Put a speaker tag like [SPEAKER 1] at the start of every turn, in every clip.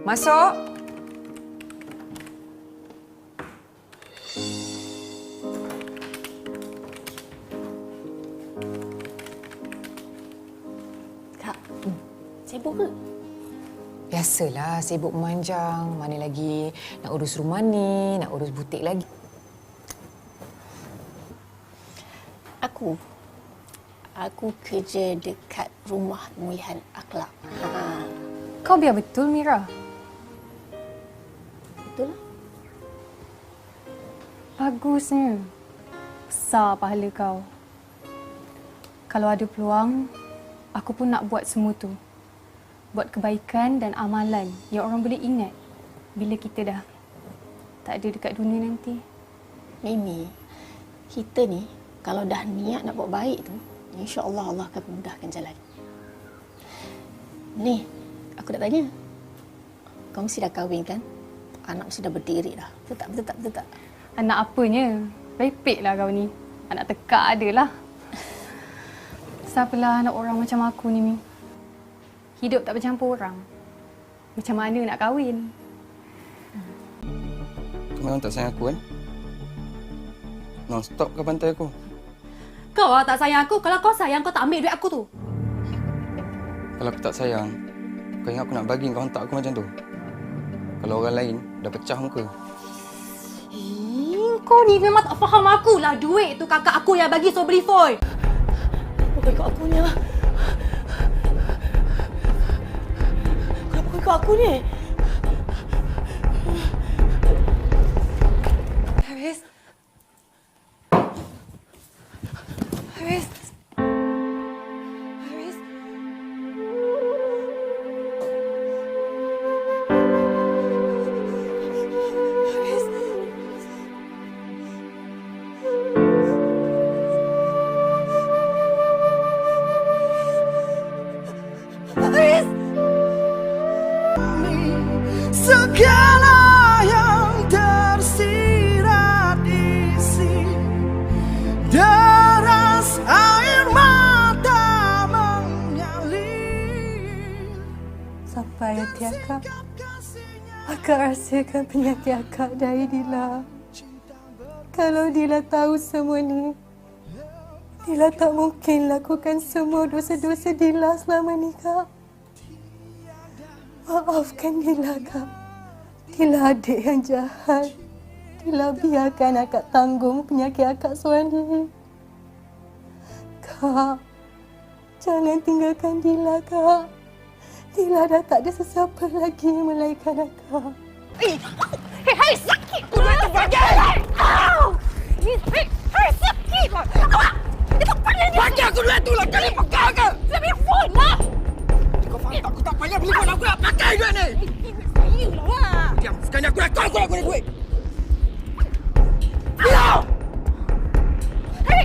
[SPEAKER 1] Masuk.
[SPEAKER 2] Kak, sibuk ke?
[SPEAKER 1] Biasalah, sibuk memanjang. Mana lagi nak urus rumah ni, nak urus butik lagi.
[SPEAKER 2] Aku kerja dekat rumah pemulihan akhlak.
[SPEAKER 3] Kau biar betul, Mira.
[SPEAKER 2] Betul lah.
[SPEAKER 3] Bagusnya. Besar pahala kau. Kalau ada peluang, aku pun nak buat semua tu. Buat kebaikan dan amalan yang orang boleh ingat bila kita dah tak ada dekat dunia nanti.
[SPEAKER 2] Mimi, kita ni kalau dah niat nak buat baik tu, insya-Allah Allah akan memudahkan jalan. Ni, aku nak tanya. Kau mesti dah kahwin kan? Anak mesti dah berdiri dah. Betul tak?
[SPEAKER 3] Anak apanya? Repeklah kau ni. Anak tekak adalah. Siapalah anak orang macam aku ni, Mi. Hidup tak bercampur orang. Macam mana nak kahwin?
[SPEAKER 4] Kau memang tak sayang aku kan? Non-stop kau bantai aku.
[SPEAKER 5] Kau tak sayang aku. Kalau kau sayang, kau tak ambil duit aku tu.
[SPEAKER 4] Kalau aku tak sayang, kau ingat aku nak bagi kau hantar aku macam tu? Kalau orang lain dah pecah muka.
[SPEAKER 5] Kau ni memang tak faham aku lah. Duit tu kakak aku yang bagi so beli foil.
[SPEAKER 2] Bukan ikut akunya. Kenapa ikut aku ni?
[SPEAKER 1] Haris. Haris. Haris. Haris. Haris.
[SPEAKER 6] Segala yang tersirat isi deras air mata mengalir.
[SPEAKER 3] Sampai hati akak. Akak rasakan penyakit akak dari Dila. Kalau Dila tahu semua ni, Dila tak mungkin lakukan semua dosa-dosa Dila selama ni, Kak. Maafkan Dila, Kak. Dila adik yang jahat. Dila biarkan akak tanggung penyakit akak seorang diri. Kak, jangan tinggalkan Dila, Kak. Dila dah tak ada sesiapa lagi melainkan akak.
[SPEAKER 5] Hai, sakit! Kau tu bagai! Au! Hai, sakit! Itu pada dia!
[SPEAKER 6] Bagi aku duit tu lah, kali pegang ke?
[SPEAKER 5] Lebih phone lah!
[SPEAKER 6] Kau faham tak? Aku tak payah beli phone, aku nak pakai duit ni.
[SPEAKER 5] Iyalah!
[SPEAKER 6] Diam, sekarang aku dah call, aku nak guna duit. Diam!
[SPEAKER 5] Hai!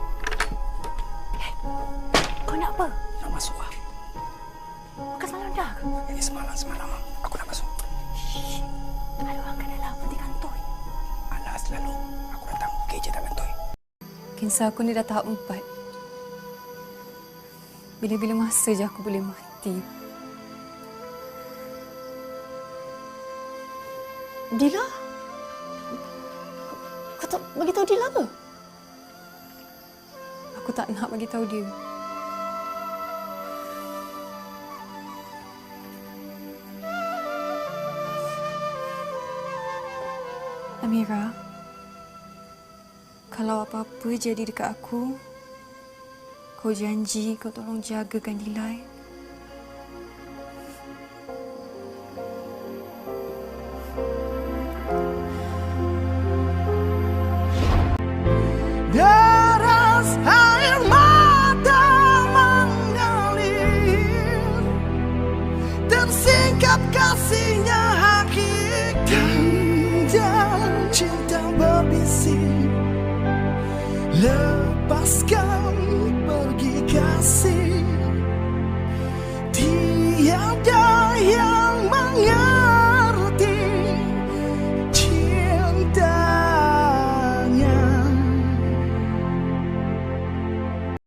[SPEAKER 5] Kau nak apa?
[SPEAKER 6] Nak masuk lah.
[SPEAKER 5] Bukan semalam dah ke?
[SPEAKER 6] Ini semalam. Aku nak masuk.
[SPEAKER 5] Ada orang kat dalam peti kantoi.
[SPEAKER 6] Alah, selalu. Aku datang, kerja tak bantuin.
[SPEAKER 3] Kisah aku ni dah tahap 4. Bila-bila masa je aku boleh mati.
[SPEAKER 2] Dila? Kau tak bagi tahu Dila ke?
[SPEAKER 3] Aku tak nak bagi tahu dia. Amira, kalau apa-apa jadi dekat aku, kau janji kau tolong jagakan Dila.